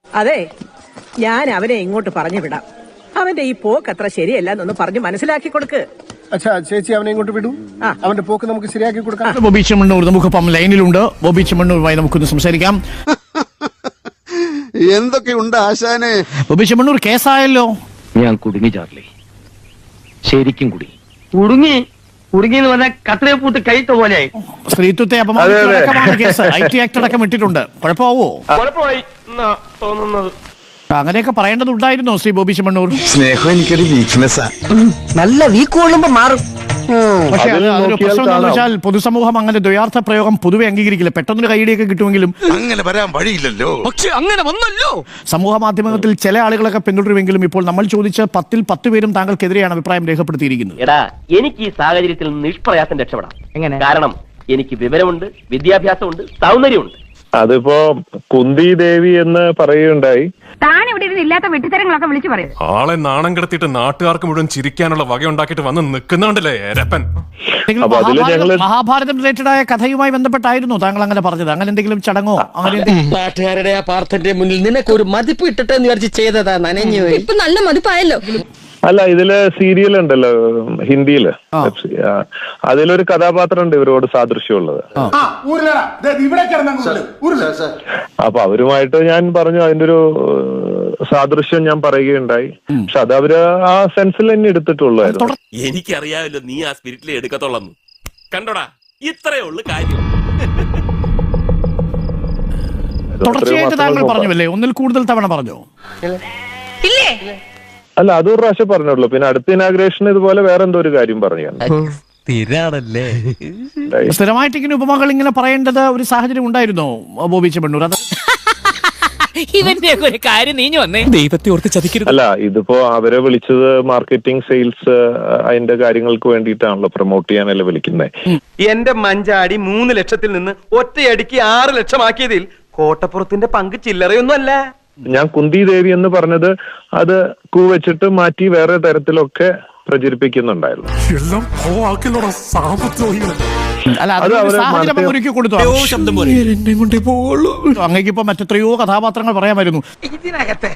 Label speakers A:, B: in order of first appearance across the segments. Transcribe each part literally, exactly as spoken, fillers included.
A: അതെ, ഞാൻ അവനെ ഇങ്ങോട്ട് പറഞ്ഞു വിടാം. അവന്റെ ഈ പോക്ക് അത്ര ശരിയല്ല എന്നൊന്ന് പറഞ്ഞു മനസ്സിലാക്കി കൊടുക്ക്.
B: അച്ഛാ, ചേച്ചി അവനെ ഇങ്ങോട്ട് വിടൂ. അവന്റെ പോക്ക് നമുക്ക് ശരിയാക്കി കൊടുക്കാം.
C: ബോബി ചെമ്മണ്ണൂർ നമുക്കിപ്പം ലൈനിലുണ്ട്. ബോബി ചെമ്മണ്ണൂരുമായി നമുക്കൊന്ന് സംസാരിക്കാം.
D: എന്തൊക്കെയുണ്ട് ആശാനെ?
C: ബോബി ചെമ്മണ്ണൂർ, കേസായല്ലോ.
E: ഞാൻ കുടുങ്ങി ചാർലി, ശരിക്കും കുടുങ്ങി.
F: കുടുങ്ങി കുടുങ്ങി എന്ന് പറഞ്ഞാൽ കത്തിലെ പൂട്ട് കൈത്ത പോലെയായി.
C: സ്ത്രീത്വത്തെ അപമാനിച്ചടക്കമാണ് കേസ്. ഐ ടി ആക്ട് അടക്കം ഇട്ടിട്ടുണ്ട്. കുഴപ്പമാവോ?
F: കുഴപ്പമായി തോന്നുന്നത്.
C: അങ്ങനെയൊക്കെ പറയേണ്ടതുണ്ടായിരുന്നോ ശ്രീ ബോബി ചെമ്മണ്ണൂർ?
D: സ്നേഹം എനിക്കൊരു വീക്ക്നെസ്സാ.
F: നല്ല വീക്ക് കൊള്ളുമ്പോ മാറും.
C: പക്ഷെ അത് അതൊരു പ്രശ്നം എന്താണെന്ന് വെച്ചാൽ പൊതുസമൂഹം അങ്ങനെ ദ്വയാർത്ഥ പ്രയോഗം പൊതുവെ അംഗീകരിക്കില്ല. പെട്ടെന്നൊരു കൈയിടിയൊക്കെ കിട്ടുമെങ്കിലും
D: അങ്ങനെ വരാൻ വഴിയില്ലല്ലോ.
F: പക്ഷെ അങ്ങനെ വന്നല്ലോ.
C: സമൂഹ മാധ്യമത്തിൽ ചില ആളുകളൊക്കെ പിന്തുടരുമെങ്കിലും ഇപ്പോൾ നമ്മൾ ചോദിച്ച പത്തിൽ പത്ത് പേരും താങ്കൾക്കെതിരെയാണ് അഭിപ്രായം രേഖപ്പെടുത്തിയിരിക്കുന്നത്.
G: എടാ, എനിക്ക് ഈ സാഹചര്യത്തിൽ നിഷ്പ്രയാസം രക്ഷപ്പെടാം. എങ്ങനെ? കാരണം എനിക്ക് വിവരമുണ്ട്, വിദ്യാഭ്യാസമുണ്ട്, സൗന്ദര്യമുണ്ട്.
H: അതിപ്പോ കുന്തി ദേവി എന്ന് പറയുകയുണ്ടായി.
I: താൻ ഇവിടെ ഇരുന്ന് ഇല്ലാത്ത വെട്ടിത്തരങ്ങളൊക്കെ വിളിച്ചു പറയും.
J: ആളെ നാണം കിടത്തിയിട്ട് നാട്ടുകാർക്ക് മുഴുവൻ ചിരിക്കാനുള്ള വക ഉണ്ടാക്കിയിട്ട് വന്ന് നിൽക്കുന്നുണ്ടല്ലേ രപ്പൻ.
C: മഹാഭാരതം റിലേറ്റഡ് ആയ കഥയുമായി ബന്ധപ്പെട്ടായിരുന്നു താങ്കൾ അങ്ങനെ പറഞ്ഞത്? അങ്ങനെ എന്തെങ്കിലും ചടങ്ങോ അങ്ങനെ?
F: നാട്ടുകാരുടെ ആ പാർത്ഥന്റെ മുന്നിൽ നിനക്ക് ഒരു മതിപ്പ് ഇട്ടിട്ട് എന്ന് വിചാരിച്ച് ചെയ്തതാ. നനഞ്ഞു ഇപ്പൊ നല്ല മതിപ്പായല്ലോ.
H: അല്ല, ഇതില് സീരിയൽ ഉണ്ടല്ലോ ഹിന്ദിയില്, അതിലൊരു കഥാപാത്രം ഉണ്ട് ഇവരോട് സാദൃശ്യമുള്ളത്. അപ്പൊ അവരുമായിട്ട് ഞാൻ പറഞ്ഞു അതിന്റെ ഒരു സാദൃശ്യം ഞാൻ പറയുകയുണ്ടായി. പക്ഷെ അത് അവര് ആ സെൻസിൽ തന്നെ എടുത്തിട്ടുള്ളായിരുന്നു.
J: എനിക്കറിയാമല്ലോ നീ ആ സ്പിരിറ്റിലെ എടുക്കത്തുള്ളൂ. കണ്ടോടാ, ഇത്രയേ ഉള്ളു കാര്യം.
C: തുടർച്ചയായിട്ട് താങ്കൾ പറഞ്ഞല്ലേ? ഒന്നിൽ കൂടുതൽ തവണ പറഞ്ഞോ?
H: അല്ല, അതൊരു പ്രാവശ്യം പറഞ്ഞുള്ളൂ. പിന്നെ അടുത്ത ഇനാഗ്രേഷൻ ഇതുപോലെ വേറെ എന്തോ ഒരു കാര്യം പറഞ്ഞു.
C: സ്ഥിരമായിട്ട് ഇങ്ങനെ ഉപമകൾ ഇങ്ങനെ പറയേണ്ടത് ഒരു സാഹചര്യം ഉണ്ടായിരുന്നോ ബോബി ചെമ്മണ്ണൂർ? അത്
G: ഇവന്റെ ഒരു കാര്യം നീഞ്ഞു വന്നേ.
E: ദൈവത്തെ ഓർത്ത് ചതിക്കരുത്.
H: അല്ല, ഇതിപ്പോ അവരെ വിളിച്ചത് മാർക്കറ്റിംഗ്, സെയിൽസ്, അതിന്റെ കാര്യങ്ങൾക്ക് വേണ്ടിയിട്ടാണല്ലോ, പ്രൊമോട്ട് ചെയ്യാനല്ലേ വിളിക്കുന്നത്.
F: എന്റെ മഞ്ചാടി മൂന്ന് ലക്ഷത്തിൽ നിന്ന് ഒറ്റയടിക്ക് ആറ് ലക്ഷമാക്കിയതിൽ കോട്ടപ്പുറത്തിന്റെ പങ്ക് ചില്ലറയൊന്നും അല്ല.
H: ഞാൻ കുന്തി ദേവി എന്ന് പറഞ്ഞത് അത് കൂ വെച്ചിട്ട് മാറ്റി വേറെ തരത്തിലൊക്കെ പ്രചരിപ്പിക്കുന്നുണ്ടായിരുന്നു.
C: അല്ല, അത് സാഹചര്യം ഒരുക്കി കൊടുത്തു. അങ്ങേക്കിപ്പോ മറ്റെത്രയോ കഥാപാത്രങ്ങൾ പറയാമായിരുന്നു
F: ഇതിനകത്തെ.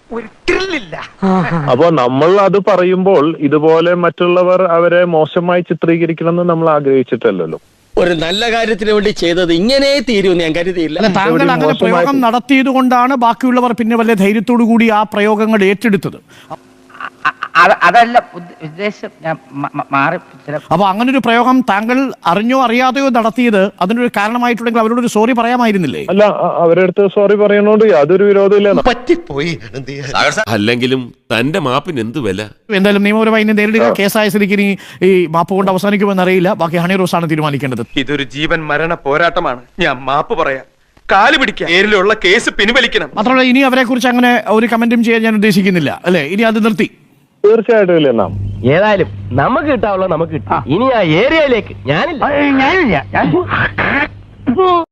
H: അപ്പോ നമ്മൾ അത് പറയുമ്പോൾ ഇതുപോലെ മറ്റുള്ളവർ അവരെ മോശമായി ചിത്രീകരിക്കണമെന്ന് നമ്മൾ ആഗ്രഹിച്ചിട്ടല്ലോ.
F: ഒരു നല്ല കാര്യത്തിന് വേണ്ടി ചെയ്തത് ഇങ്ങനെ തീരുമെന്ന് ഞാൻ കരുതിയില്ല.
C: താങ്കൾ അങ്ങനെ പ്രയോഗം നടത്തിയത് കൊണ്ടാണ് ബാക്കിയുള്ളവർ പിന്നെ വലിയ ധൈര്യത്തോടു കൂടി ആ പ്രയോഗങ്ങൾ ഏറ്റെടുത്തത്.
G: അതല്ല ഉദ്ദേശം. ഞാൻ മാറി.
C: അപ്പൊ അങ്ങനെ ഒരു പ്രയോഗം താങ്കൾ അറിഞ്ഞോ അറിയാതെയോ നടത്തിയത് അതിനൊരു കാരണമായിട്ടുണ്ടെങ്കിൽ അവരോട് ഒരു സോറി പറയാമായിരുന്നില്ലേ?
H: അല്ല, അവരുടെ അടുത്ത് സോറി പറയണോണ്ട് യാതൊരു വിരോധമില്ല.
D: പറ്റിപ്പോയി.
J: അല്ലെങ്കിലും തന്റെ മാപ്പിന് എന്ത് വില?
C: എന്തായാലും നിയമപരമായി ഇനി നേരിടുക. കേസായ സ്ഥിതിക്ക് ഇനി ഈ മാപ്പ് കൊണ്ട് അവസാനിക്കുമെന്ന് അറിയില്ല. ബാക്കി ഹണി റോസാണ് തീരുമാനിക്കേണ്ടത്.
F: ഇതൊരു ജീവൻ മരണ പോരാട്ടമാണ്. ഞാൻ മാപ്പ് പറയാം. കാല് പിടിക്കാം. നേരിലുള്ള കേസ് പിൻവലിക്കണം.
C: മാത്രമല്ല, ഇനി അവരെ കുറിച്ച് അങ്ങനെ ഒരു കമന്റും ചെയ്യാൻ ഞാൻ ഉദ്ദേശിക്കുന്നില്ല. അല്ലെ, ഇനി അത് നിർത്തി.
H: തീർച്ചയായിട്ടും ഇല്ല. നാം
G: ഏതായാലും നമുക്ക് കിട്ടാവുള്ള നമുക്ക് കിട്ടാം. ഇനി ആ ഏരിയയിലേക്ക് ഞാനില്ല ഞാനില്ല